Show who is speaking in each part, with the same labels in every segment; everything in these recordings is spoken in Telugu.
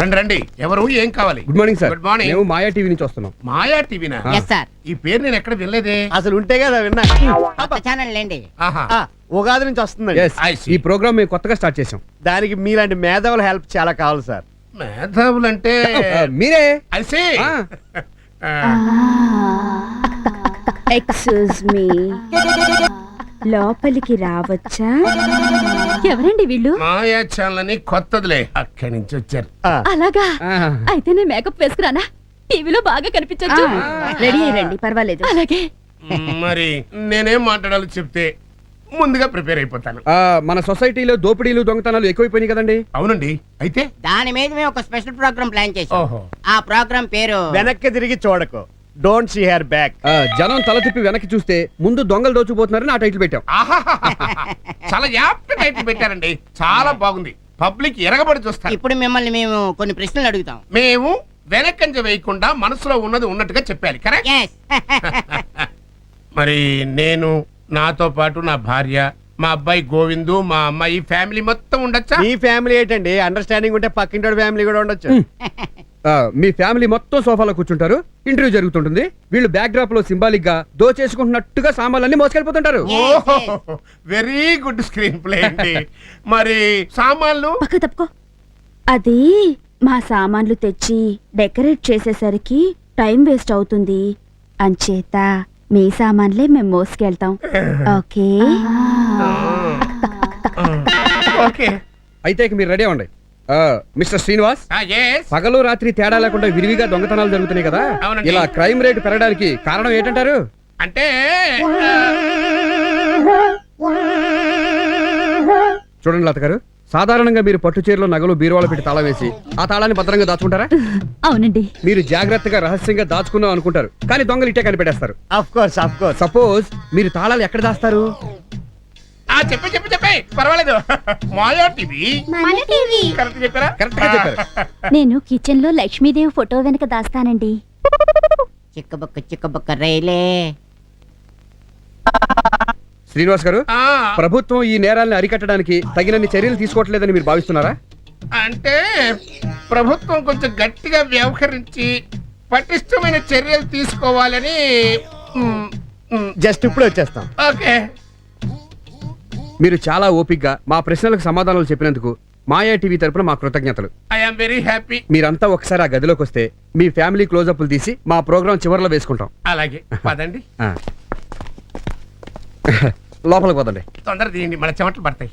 Speaker 1: రండి రండి. ఎవరు, ఏం కావాలి?
Speaker 2: Good morning sir.
Speaker 1: Good morning.
Speaker 2: మేము మాయా టీవీ నుంచి వస్తున్నాం.
Speaker 1: మాయా టీవీనా?
Speaker 3: Yes sir.
Speaker 1: ఈ పేరు నేను ఎక్కడ వినలేదే.
Speaker 4: అసలు ఉంటే కదా విన్నా.
Speaker 3: కొత్త ఛానల్ లేండి.
Speaker 1: ఆహా.
Speaker 4: ఉగాది నుంచి వస్తుందండి.
Speaker 2: Yes,
Speaker 1: I see.
Speaker 2: ఈ ప్రోగ్రామ్ మేము కొత్తగా స్టార్ట్ చేసాం.
Speaker 4: దానికి మీలాంటి మేధావుల హెల్ప్ చాలా కావాలి సార్.
Speaker 1: మేధావులంటే
Speaker 2: మీరే.
Speaker 1: ఐసే.
Speaker 5: ఎక్స్క్యూజ్ మీ, లోపలికి రావచ్చా?
Speaker 6: ఎవరండి వీళ్ళు?
Speaker 1: మాయా ఛానల్ అని కొత్తదిలే, అక్కడి నుంచి వచ్చారు.
Speaker 6: అలాగా?
Speaker 2: ఆహా.
Speaker 6: అయితే నేను మేకప్ వేసుకురానా? టీవీలో బాగా కనిపించొచ్చు.
Speaker 5: రెడీ అయ్యండి, పర్వాలేదు.
Speaker 6: అలాగే.
Speaker 1: మరి నేనేం మాట్లాడాలో చెప్తే ముందుగా ప్రిపేర్ అయిపోతాను.
Speaker 2: మన సొసైటీలో దోపిడీలు దొంగతనాలు ఎక్కువైపోయినాయి కదండి.
Speaker 1: అవునండి. అయితే
Speaker 3: దాని మీద మేము ఒక స్పెషల్ ప్రోగ్రామ్ ప్లాన్ చేసాం.
Speaker 1: ఓహో.
Speaker 3: ఆ ప్రోగ్రామ్ పేరు
Speaker 4: వెనక్కి తిరిగి చూడకు, డోంట్ సీ హెర్ బ్యాక్.
Speaker 2: జనం తల తిప్పి వెనక్కి చూస్తే ముందు దొంగలు దోచుకుపోతున్నారని ఆ టైటిల్ పెట్టాం.
Speaker 1: ఆహాహాహా. చాలా యాప్ట్ టైటిల్ పెట్టారండి. చాలా బాగుంది. పబ్లిక్ ఎరగబడి చూస్తారు.
Speaker 3: ఇప్పుడు మిమ్మల్ని మేము కొన్ని ప్రశ్నలు అడుగుతాం.
Speaker 1: మేము వెనకంజ వేయకుండా మనసులో ఉన్నది ఉన్నట్టుగా చెప్పాలి. కరెక్ట్?
Speaker 3: Yes.
Speaker 1: మరి నేను, నాతో పాటు నా భార్య, మా అబ్బాయి గోవిందు, మా అమ్మాయి, ఫ్యామిలీ మొత్తం ఉండొచ్చా?
Speaker 4: మీ ఫ్యామిలీ ఏంటండి, అండర్స్టాండింగ్ ఉంటే పక్కింటి ఫ్యామిలీ కూడా ఉండొచ్చు.
Speaker 2: మీ ఫ్యామిలీ మొత్తం సోఫాలో కూర్చుంటారు. ఇంటర్వ్యూ జరుగుతుంటుంది. వీళ్ళు బ్యాక్ డ్రాప్ లో సింబాలిక్ గా దోచేసుకుంటున్నట్టుగా సామాన్లన్నీ మోసుకెళ్ళిపోతుంటారు.
Speaker 1: ఓహో, వెరీ గుడ్ స్క్రీన్ ప్లే అండి. మరి సామాన్లు?
Speaker 5: పక్క తప్పుకో. అది మా సామాన్లు తెచ్చి డెకరేట్ చేసేసరికి టైం వేస్ట్ అవుతుంది. అంచేత మీ సామాన్లే మేము మోసుకెళ్తాం. ఓకే?
Speaker 1: ఓకే.
Speaker 2: అయితే ఇక మీరు రెడీ అవ్వండి. Mister Srinivas,
Speaker 1: yes.
Speaker 2: పగలు రాత్రి తేడా లేకుండా విరివిగా దొంగతనాలు జరుగుతున్నాయి కదా.
Speaker 1: అవునండి.
Speaker 2: ఇలా క్రైమ్ రేట్ పెరగడానికి కారణం ఏంటంటారు?
Speaker 1: అంటే
Speaker 2: చూడండి లత గారు, సాధారణంగా మీరు పట్టు చీరలో నగలు బీరువాలో పెట్టి తాళం వేసి ఆ తాళాన్ని భద్రంగా దాచుకుంటారా?
Speaker 6: అవునండి.
Speaker 2: మీరు జాగ్రత్తగా రహస్యంగా దాచుకున్నాం అనుకుంటారు, కానీ దొంగలు ఇట్టే కనిపెట్టేస్తారు.
Speaker 4: Of course, of course.
Speaker 2: Suppose మీరు తాళాలు ఎక్కడ దాస్తారు?
Speaker 1: చెప్పే పర్వాలేదు. మాయా టీవీ. కరెక్ట్ చెప్పారా?
Speaker 2: కరెక్ట్ గా చెప్పారు.
Speaker 6: నేను కిచెన్ లో లక్ష్మీదేవి ఫోటో వెనక దాస్తానండి.
Speaker 3: చిక్కబొక్క రైలే.
Speaker 2: శ్రీనివాస్ గారు,
Speaker 1: ఆ,
Speaker 2: ప్రభుత్వం ఈ నేరాలను అరికట్టడానికి తగినన్ని చర్యలు తీసుకోవట్లేదని మీరు భావిస్తున్నారా?
Speaker 1: అంటే ప్రభుత్వం కొంచెం గట్టిగా వ్యవహరించి పటిష్టమైన చర్యలు తీసుకోవాలని.
Speaker 4: జస్ట్ ఇప్పుడు వచ్చేస్తాం.
Speaker 1: ఓకే.
Speaker 2: మీరు చాలా ఓపిగ్గా మా ప్రశ్నలకు సమాధానాలు చెప్పినందుకు మాయా టీవీ తరపున మా కృతజ్ఞతలు.
Speaker 1: I'm very happy.
Speaker 2: మీరంతా ఒకసారి ఆ గదిలోకి వస్తే మీ ఫ్యామిలీ క్లోజప్లు తీసి మా ప్రోగ్రాం చివరిలో వేసుకుంటాం.
Speaker 1: అలాగే పదండి.
Speaker 2: ఆ. లోపలికి పోదండి.
Speaker 1: తొందర తీయండి, మన చెమటలు పడతాయి.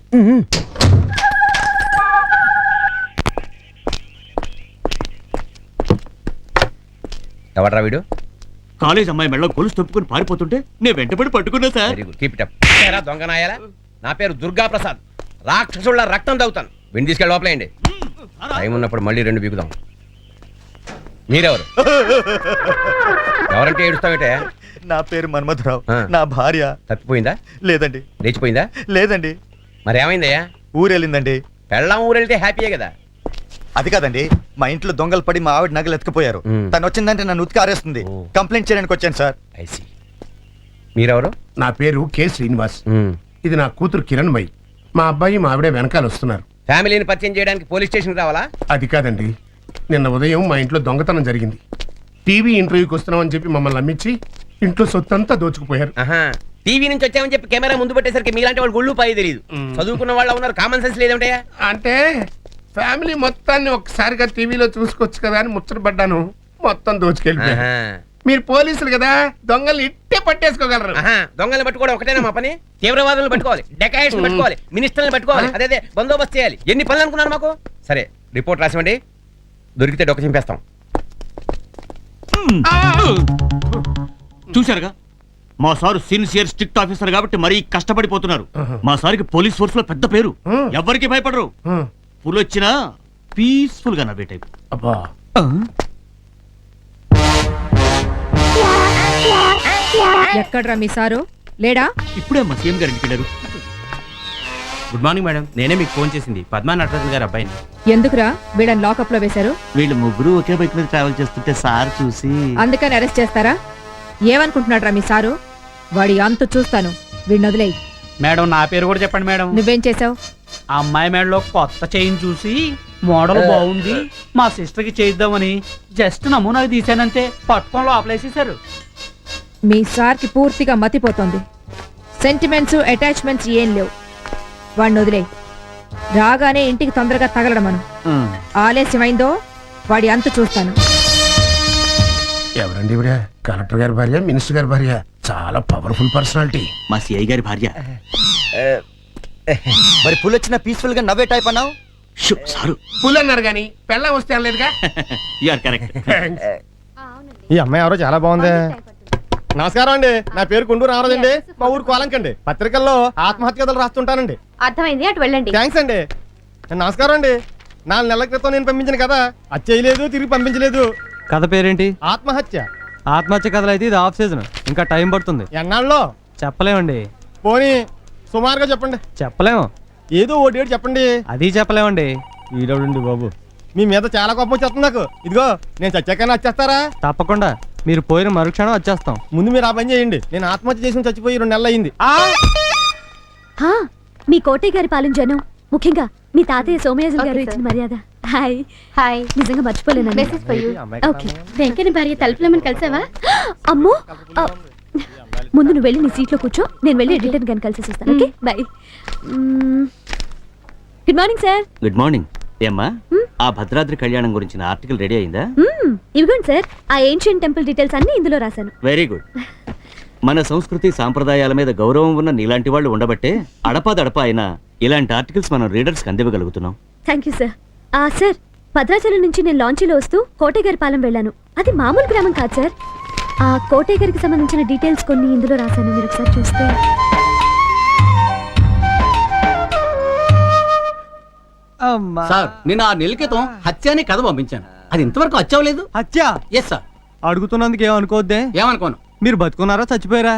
Speaker 7: ఎవడ్రా వీడు?
Speaker 8: కాలేజ్ అమ్మాయి మెడలో గొలుసు తప్పుకుని పారిపోతుంటే నేను వెంటబడి పట్టుకున్నా సార్.
Speaker 7: Very good, keep it up. ఏరా దొంగనాయాలా, నా పేరు దుర్గా ప్రసాద్. రాక్షసుళ్ళ రక్తం తాగుతాను. విని తీసుకెళ్ళి లోపలేయండి. టైం ఉన్నప్పుడు మళ్ళీ 2 బీగుదాం. మీరెవరు? ఎవరంటే ఏడుస్తావేటే?
Speaker 9: నా పేరు మన్మథరావు.
Speaker 7: ఆ.
Speaker 9: నా భార్య
Speaker 7: తప్పిపోయిందా?
Speaker 9: లేదండి.
Speaker 7: లేచిపోయిందా?
Speaker 9: లేదండి.
Speaker 7: మరి ఏమైందయ్యా?
Speaker 9: ఊరెళ్ళిందండి.
Speaker 7: పెళ్ళాం ఊరెళ్తే హ్యాపీయే కదా.
Speaker 9: అది కాదండి, మా ఇంట్లో దొంగలు పడి మా ఆవిడ నగలు ఎత్తుకుపోయారు. తను వచ్చిందంటే నన్ను ఉతికి ఆరేస్తుంది.
Speaker 7: ఓ.
Speaker 9: కంప్లైంట్ చేయడానికి వచ్చాను సార్.
Speaker 7: ఐసి. మీరెవరు?
Speaker 1: నా పేరు కె శ్రీనివాస్. ఇది నా కూతురు కిరణ్మయి. మా అబ్బాయి మా ఆవిడే వెనకాల వస్తున్నారు.
Speaker 7: ఫ్యామిలీని పరిచయం చేయడానికి పోలీస్ స్టేషన్ రావాలా?
Speaker 1: అది కాదండి, నిన్న ఉదయం మా ఇంట్లో దొంగతనం జరిగింది. టీవీ ఇంటర్వ్యూకి వస్తున్నామని చెప్పి మమ్మల్ని నమ్మించి ఇంట్లో సొత్తంతా దోచుకుపోయారు.
Speaker 7: ఆహా, టీవీ నుంచి వచ్చామని చెప్పి కెమెరా ముందు పెట్టేసరికి మీలాంటి వాళ్ళు గుళ్ళు పాయి తెలియదు. చదువుకున్న వాళ్ళు ఉన్నారు, కామన్ సెన్స్ లేదంటయ్యా.
Speaker 1: అంటే ఫ్యామిలీ మొత్తాన్ని ఒక్కసారిగా టీవీలో చూసుకోవచ్చు కదా అని ముచ్చటపడ్డాను. మొత్తం దోచుకెళ్ళిపోయారు. మీరు పోలీసులు కదా, దొంగల్ని ఇట్టే పట్టేసుకోగలరు.
Speaker 7: దొంగల్ని పట్టుకోవడం ఒకటేనా మా పని? తీవ్రవాదులను పట్టుకోవాలి, డెకాయిట్స్ పట్టుకోవాలి, మినిస్టర్ని పట్టుకోవాలి, అదే బందోబస్తు చేయాలి. ఎన్ని పనులు అనుకున్నారు మాకు? సరే, రిపోర్ట్ రాసివ్వండి. దొరికితే డొక్క చింపేస్తాం.
Speaker 8: చూశారుగా, మా సారు సిన్సియర్ స్ట్రిక్ట్ ఆఫీసర్ కాబట్టి మరీ కష్టపడిపోతున్నారు. మా సార్కి పోలీస్ ఫోర్స్ లో పెద్ద పేరు. ఎవరికి భయపడరు. పులి వచ్చినా పీస్ఫుల్ గా నవ్వే టైప్.
Speaker 1: అబ్బా,
Speaker 6: ఎక్కడ్రా మీ సారు? లేడా?
Speaker 8: ఇప్పుడే మా సీఎం గారు ఇంటికి వెళ్ళారు.
Speaker 10: గుడ్ మార్నింగ్ మేడం, నేనే మీకు ఫోన్ చేసింది పద్మా నటరాజన్ గారు అబ్బాయిని.
Speaker 6: ఎందుకురా వీళ్ళని లాకప్ లో వేశారు?
Speaker 8: వీళ్ళు ముగ్గురు ఒకే బైక్ మీద ట్రావెల్ చేస్తుంటే సార్ చూసి
Speaker 6: అందుకని అరెస్ట్ చేస్తారా? ఏమనుకుంటున్నాడ్రా మీ సారు? వాడి అంతు చూస్తాను. వీడిని వదిలేయి.
Speaker 10: మేడం నా పేరు కూడా చెప్పండి మేడం.
Speaker 6: నువ్వేం చేసావు?
Speaker 10: ఆ అమ్మాయి మేడలో కొత్త చైన్ చూసి
Speaker 11: మోడల్ బాగుంది, మా సిస్టర్ కి చేయిద్దామని జస్ట్ నమూనాకి తీసానంతే, పట్టుకొని లోపలేసేసారు.
Speaker 6: మీ సార్కి పూర్తిగా మతిపోతుంది. సెంటిమెంట్స్ అటాచ్మెంట్స్ ఏం లేవు. వాడిని వదిలే. రాగానే ఇంటికి తొందరగా తగలడమను. ఆలస్యమైందో వాడి అంత చూస్తాను.
Speaker 1: ఎవరండి ఇవిడ? కలెక్టర్ గారి భార్య, మినిస్టర్ గారి భార్య, చాలా పవర్ఫుల్ పర్సనాలిటీ.
Speaker 8: మా సిఐ గారి భార్య.
Speaker 9: మరి పుల్ వచ్చిన పీస్ఫుల్ గా నవ్వే టైప్ అన్నావు.
Speaker 8: సారు
Speaker 1: పుల్ అన్నారు కానీ పెళ్ళం వస్తే అనలేదుగా.
Speaker 8: You are correct.
Speaker 4: ఈ అమ్మాయి ఎవరో చాలా బాగుంది. నమస్కారం అండి, నా పేరు కుండూరు రామరాజు అండి, మా ఊరు కోలంకండి. పత్రికల్లో ఆత్మహత్య కథలు రాస్తుంటానండి.
Speaker 5: అర్థమైంది, అటు వెళ్ళండి.
Speaker 4: థ్యాంక్స్ అండి. నమస్కారం అండి. 4 నెలల క్రితం నేను పంపించిన కదా, అది చేయలేదు, తిరిగి పంపించలేదు.
Speaker 11: కథ పేరేంటి?
Speaker 4: ఆత్మహత్య.
Speaker 11: ఆత్మహత్య కథలు అయితే ఇది ఆఫ్ సీజన్, ఇంకా టైం పడుతుంది.
Speaker 4: ఎన్నాళ్ళలో
Speaker 11: చెప్పలేమండి.
Speaker 4: పోనీ సుమారుగా చెప్పండి.
Speaker 11: చెప్పలేము.
Speaker 4: ఏదో ఓ డేట్ చెప్పండి.
Speaker 11: అది చెప్పలేమండి.
Speaker 4: ఈడవుడండి బాబు, మీ మీద చాలా కోపం వచ్చేస్తుంది నాకు. ఇదిగో నేను చచ్చాకైనా వచ్చేస్తారా?
Speaker 11: తప్పకుండా, మీరు పోయిన మరుక్షణం వచ్చేస్తాం.
Speaker 4: ముందు మీరు ఆ పని చేయండి. నేను ఆత్మహత్య చేసి చచ్చిపోయి 2 నెలలు అయింది.
Speaker 5: మీ కోటయ్య గారి పాలన జనం, ముఖ్యంగా మీ తాతయ్య సోమయాజులు గారు ఇచ్చిన మర్యాద. హాయ్ హాయ్, నిజంగా మర్చిపోలేను. ఓకే, వెంకన్న భార్య తలుపులమని కలిసావా? అమ్మో, ముందు నువ్వు వెళ్ళి నీ సీట్లో కూర్చో, నేను వెళ్ళి ఎడిటర్ గారిని కలిసి వస్తాను. Okay bye. Good morning sir.
Speaker 8: Good morning. ఏమ్మా, ఆ భద్రాద్రి కళ్యాణం గురించిన ఆర్టికల్ రెడీ అయిందా?
Speaker 5: ఇవిగోండి సార్, ఆ ఏన్షియన్ టెంపుల్ డీటెయిల్స్ అన్ని ఇందులో రాశాను.
Speaker 8: Very good. మన సంస్కృతి సాంప్రదాయాల మీద గౌరవం ఉన్న నీలాంటి వాళ్ళు ఉండబట్టే అడపాదడపా అయినా ఇలాంటి ఆర్టికల్స్ మనం రీడర్స్ కి అందివ్వగలుగుతున్నాం.
Speaker 5: Thank you sir. Sir, Bhadrachalam నుంచి నేను లాంచీలో వస్తూ కోటయ్య గారి పాలెం వెళ్ళాను. అది మామూలు గ్రామం కాదు సార్. ఆ కోటయ్య గారికి సంబంధించిన డీటెయిల్స్ కొన్ని ఇందులో రాశాను, మీరు ఒకసారి చూస్తే.
Speaker 11: సార్, నేను 6 నెలల క్రితం హత్య అనే కథ పంపించాను. అది ఇంతవరకు వచ్చావలేదు. హత్య? Yes sir. అడుగుతున్నందుకు ఏమనుకోవద్దే. ఏమనుకోను. మీరు బతుకున్నారా చచ్చిపోయారా?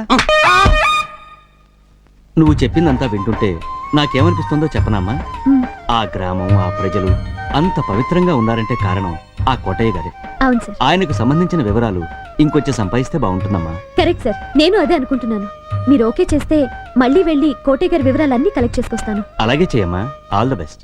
Speaker 8: నువ్వు చెప్పిందంతా వింటుంటే నాకేమనిపిస్తుందో చెప్పనమ్మా. ఆ గ్రామం, ఆ ప్రజలు అంత పవిత్రంగా ఉన్నారంటే కారణం ఆ కోటయ్య గారే.
Speaker 5: అవును సార్.
Speaker 8: ఆయనకు సంబంధించిన వివరాలు ఇంకొంచెం సంపాదిస్తే బాగుంటుందమ్మా.
Speaker 5: కరెక్ట్ సార్, నేను అదే అనుకుంటున్నాను. మీరు ఓకే చేస్తే మళ్ళీ వెళ్ళి కోటయ్య గారి వివరాలన్నీ కలెక్ట్ చేసుకొస్తాను.
Speaker 8: అలాగే చేయమ్మా. All the best.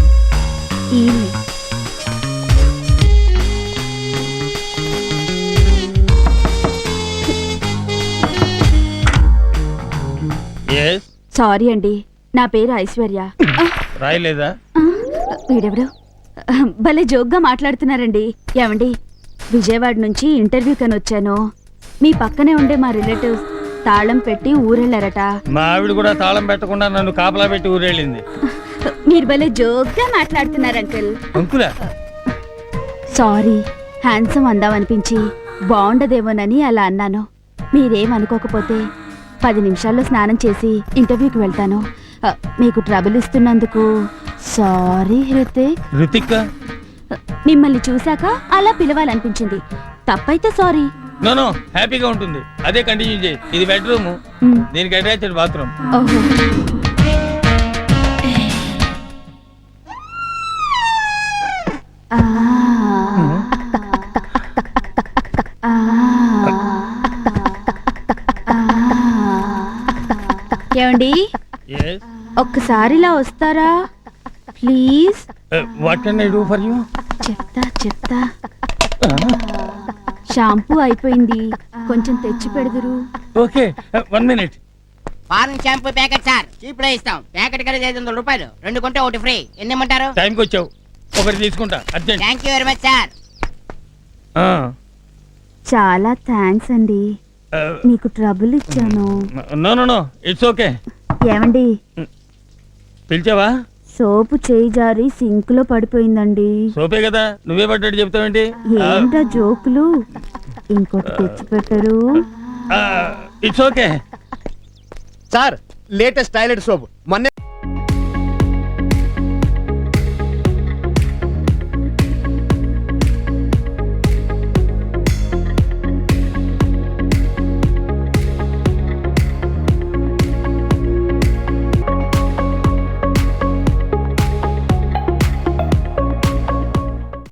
Speaker 5: సారీ అండి, నా పేరు ఐశ్వర్య.
Speaker 4: రాయలేదా?
Speaker 5: వీడెవడు భలే జోక్గా మాట్లాడుతున్నారండి. ఏమండి, విజయవాడ నుంచి ఇంటర్వ్యూ కని వచ్చాను. మీ పక్కనే ఉండే మా రిలేటివ్స్ తాళం పెట్టి ఊరెళ్ళారట.
Speaker 11: మా ఆవిడ కూడా తాళం పెట్టకుండా నన్ను కాపలా పెట్టి ఊరెళ్ళింది.
Speaker 5: మీరు భలే జోక్గా మాట్లాడుతున్నారు అంకుల్.
Speaker 11: అంకులా?
Speaker 5: సారీ, హ్యాండ్సమ్ అందామనిపించి బాగుండదేమోనని అలా అన్నాను. మీరేమనుకోకపోతే 10 నిమిషాల్లో స్నానం చేసి ఇంటర్వ్యూకి వెళ్తాను. మీకు ట్రబుల్ ఇస్తున్నందుకు సారీ హృతిక్. మిమ్మల్ని చూశాక అలా పిలవాలనిపించింది. తప్పైతే సారీ.
Speaker 11: నో, హ్యాపీగా ఉంటుంది. అదే కంటిన్యూ చేయి. ఇది బెడ్రూమ్, దీనికి అటాచ్డ్ బాత్రూమ్.
Speaker 5: ఓహో. ఏమండి, ఒక్కసారి ఇలా వస్తారా please?
Speaker 11: What can I do for you?
Speaker 5: చెప్తా. షాంపూ అయిపోయింది, కొంచెం తెచ్చి పెడదురు.
Speaker 11: Okay, 1 minute.
Speaker 3: Foreign shampoo packet sir, cheap లో ఇస్తాం. ప్యాకెట్ కలిసి 500 రూపాయలు, 2 కొంటే 1 ఫ్రీ. ఎన్ని ఇమ్మంటారు?
Speaker 11: టైంకి వచ్చావు, ఒకటి తీసుకుంటా urgent.
Speaker 3: Thank you very much sir.
Speaker 5: చాలా థ్యాంక్స్ అండి, మీకు ట్రబుల్ ఇచ్చాను.
Speaker 11: No, it's okay.
Speaker 5: ఏమండి,
Speaker 11: పిలిచావా?
Speaker 5: సోపు చేయి జారి సింక్ లో పడిపోయిందండి.
Speaker 11: సోపే కదా, నువ్వే పడ్డట్టు చెప్తావేంటి?
Speaker 5: ఏంటా జోకులు? ఇంకోటి తెచ్చి పెట్టరు.
Speaker 11: It's okay
Speaker 4: sir, latest toilet soap మొన్న